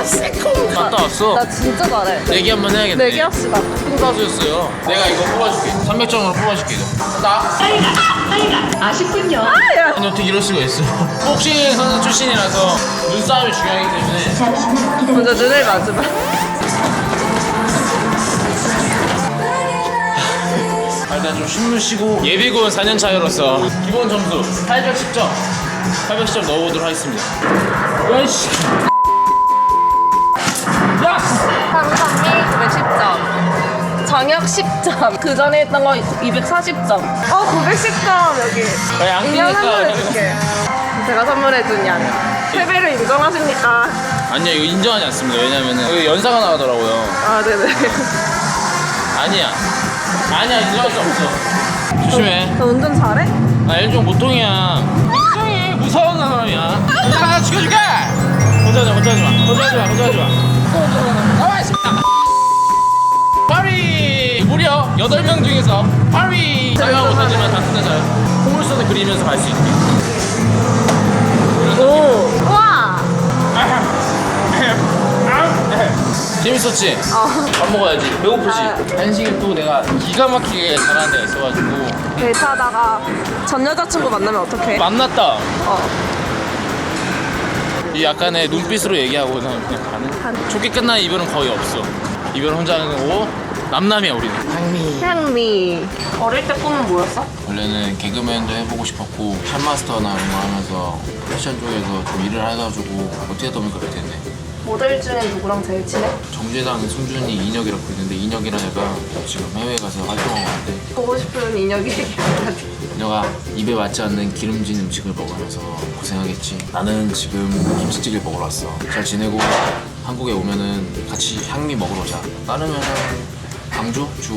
새콤. 갔다 왔어. 나 진짜 잘해. 내기 한번 해야겠네. 내기합시다. 콩가수였어요. 내가 이거 뽑아줄게. 300점으로 뽑아줄게. 나. 아쉽군요. 아, 야. 아니 어떻게 이럴 수가 있어. 복싱 선수 출신이라서 눈싸움이 중요하기 때문에. 먼저 눈을 맞으면. 일단 좀 숨을 쉬고 예비군 4년 차이로서 기본 점수 810점 810점 넣어보도록 하겠습니다. 야이씨. 야! 한상미 910점. 정혁 10점. 그 전에 했던 거 240점. 910점 여기. 인형 선물해줄게. 제가 선물해준 양. 패배를 인정하십니까? 아니야 이거 인정하지 않습니다. 왜냐면은 여기 연사가 나가더라고요. 아, 네네. 아니야 인정할 수 없어. 조심해. 너 운전 잘해? 나 일종 보통이야. 굉장히 무서운 사람이야. 내가 죽여줄게. 혼자하지 마. 나와 있습니다. 파리 무려 8명 중에서 파리 자유화 못하지만 단순해져요. 포물선을 그리면서 갈 수 있게. 오. 우와. 재밌었지? 밥 먹어야지. 배고프지? 한식을 또 내가 기가 막히게 잘하는 데가 있어가지고 데이트하다가 전 여자친구 만나면 어떡해? 만났다. 어. 이 약간의 눈빛으로 얘기하고 그냥 가는. 좋게 끝난 이별은 거의 없어. 이별은 혼자 하는 거고 남남이야 우리는. 향미. 어릴 때 꿈은 뭐였어? 원래는 개그맨도 해보고 싶었고 샵마스터나 이런 거 하면서 패션 쪽에서 좀 일을 해가지고 어떻게 하다 보니까 그렇게 됐네. 모델 중에 누구랑 제일 친해? 정재당, 승준이, 인혁이라고 있는데 인혁이라는 애가 지금 해외 가서 활동하고 있는데 보고 싶은 인혁이 얘기하지. 너가 입에 맞지 않는 기름진 음식을 먹으면서 고생하겠지. 나는 지금 김치찌개 먹으러 왔어. 잘 지내고 한국에 오면은 같이 향미 먹으러 오자. 따르면은 광주? 주.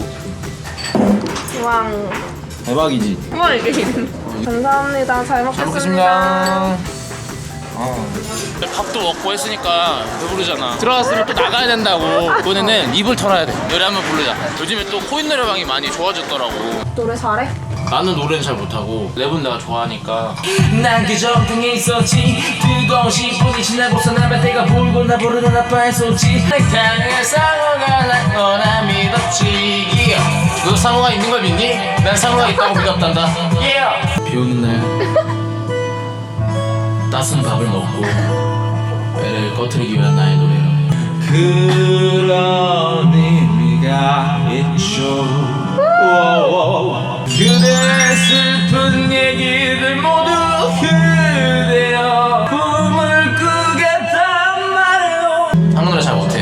왕. 대박이지. 우와 이게 이름. 감사합니다. 잘 먹겠습니다. 먹겠습니다. 밥도 먹고 했으니까 배부르잖아. 들어갔으면 또 나가야 된다고. 이번에는 입을 털어야 돼. 노래 한번 부르자. 요즘에 또 코인 노래방이 많이 좋아졌더라고. 노래 잘해? 나는 노래는 잘 못하고 랩은 내가 좋아하니까. 난 그저 등에 있었지. 뜨거운 10분이 지나고서 남의 때가 불고 나 부르는 아빠의 소지. 당연히 상어가 날 거나 믿었지. 너 상어가 있는 걸 믿니? 난 상어가 있다고 믿었단다. 비 오는 날 따스한 밥을 먹고 배를 꺼트리기 위한 나의 노래라. 그런 의미가 있죠. 그대의 슬픈 얘기들 모두 그대여 꿈을 꾸겠단 말이요. 한국 노래 잘 못해.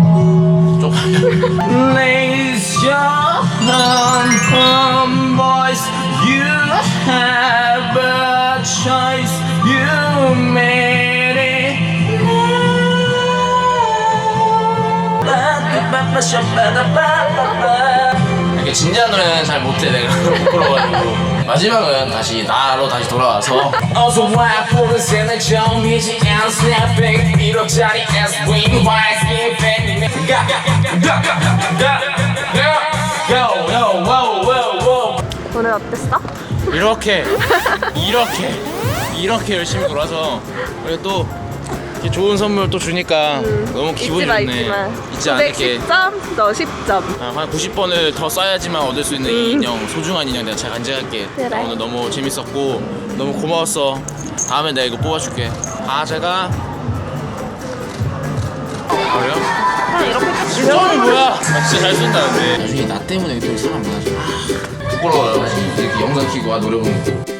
좀 Raise your voice. You have a choice. You made it. 이렇게 진지한 노래는 잘 못해 내가. 부끄러워가지고. 마지막은 다시 나로 다시 돌아와서 어서 와 보르세는 처음이지 and snapping 1억짜리 S-Wing YSK 팬이 오늘 어땠어? 이렇게 열심히 돌아서 그리고 또 이렇게 좋은 선물 또 주니까 너무 기분이 좋네. 잊지 않을게. 910점, 너 10점. 한 90번을 더 써야지만 얻을 수 있는 이 인형, 소중한 인형 내가 잘 간직할게. 그래. 오늘 너무 재밌었고 너무 고마웠어. 다음에 내가 이거 뽑아줄게. 제가 그래요? 이렇게 진짜 뭐야? 진짜 잘 쓴다 근데 나중에 나 때문에 또 사람 많아져. 부끄러워요. 이렇게 영상 키고 노래 부르는 거.